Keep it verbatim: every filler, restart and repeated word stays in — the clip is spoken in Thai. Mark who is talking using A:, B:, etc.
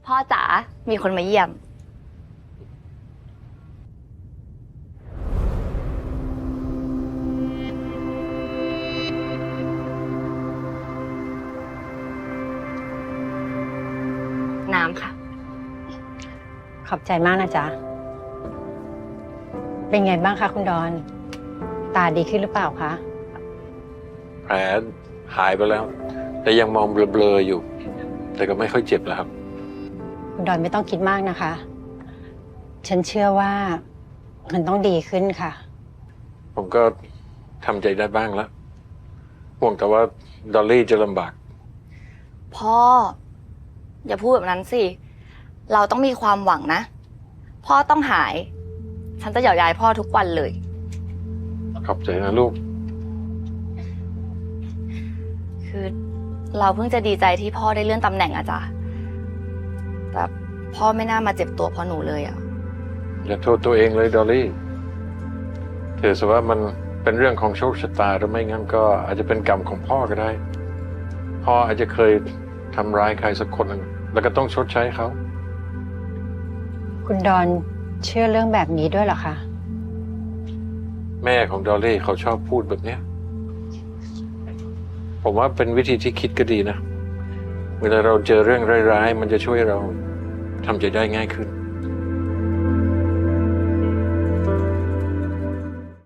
A: พ่อจ๋า มีคนมาเยี่ยม น้ำค่ะ
B: ขอบใจมากนะจ๊ะ เป็นไงบ้างคะคุณดอน ตาดีขึ้นหรือเปล่าคะ
C: แผลหายไปแล้ว แต่ยังมองเบลอๆอยู่ แต่ก็ไม่ค่อยเจ็บแล้วครับ
B: คุณดอนไม่ต้องคิดมากนะคะ ฉันเชื่อว่ามันต้องดีขึ้นค่ะ
C: ผมก็ทำใจได้บ้างแล้วห่วงแต่ว่าดอลลี่จะลำบาก
A: พ่อ อย่าพูดแบบนั้นสิ เราต้องมีความหวังนะ พ่อต้องหาย ฉันจะหยอกยายพ่อทุกวันเลย
C: ขอบใจนะลูก
A: คือเราเพิ่งจะดีใจที่พ่อได้เลื่อนตำแหน่งอะจ้ะแต่พ่อไม่น่ามาเจ็บตัวเพราะหนูเลยอะ
C: อย่าโทษตัวเองเลยดอลลี่ถือซะว่ามันเป็นเรื่องของโชคชะตาหรือไม่งั้นก็อาจจะเป็นกรรมของพ่อก็ได้ พ่ออาจจะเคยทำร้ายใครสักคนหนึ่งแล้วก็ต้องชดใช้เขา
B: คุณดอนเชื่อเรื่องแบบนี้ด้วยเหรอคะ
C: แม่ของดอลลี่เขาชอบพูดแบบเนี้ยผมว่าเป็นวิธีที่คิดก็ดีนะ เวลาเราเจอเรื่องร้ายๆมันจะช่วยเราทำใจได้ง่ายขึ้น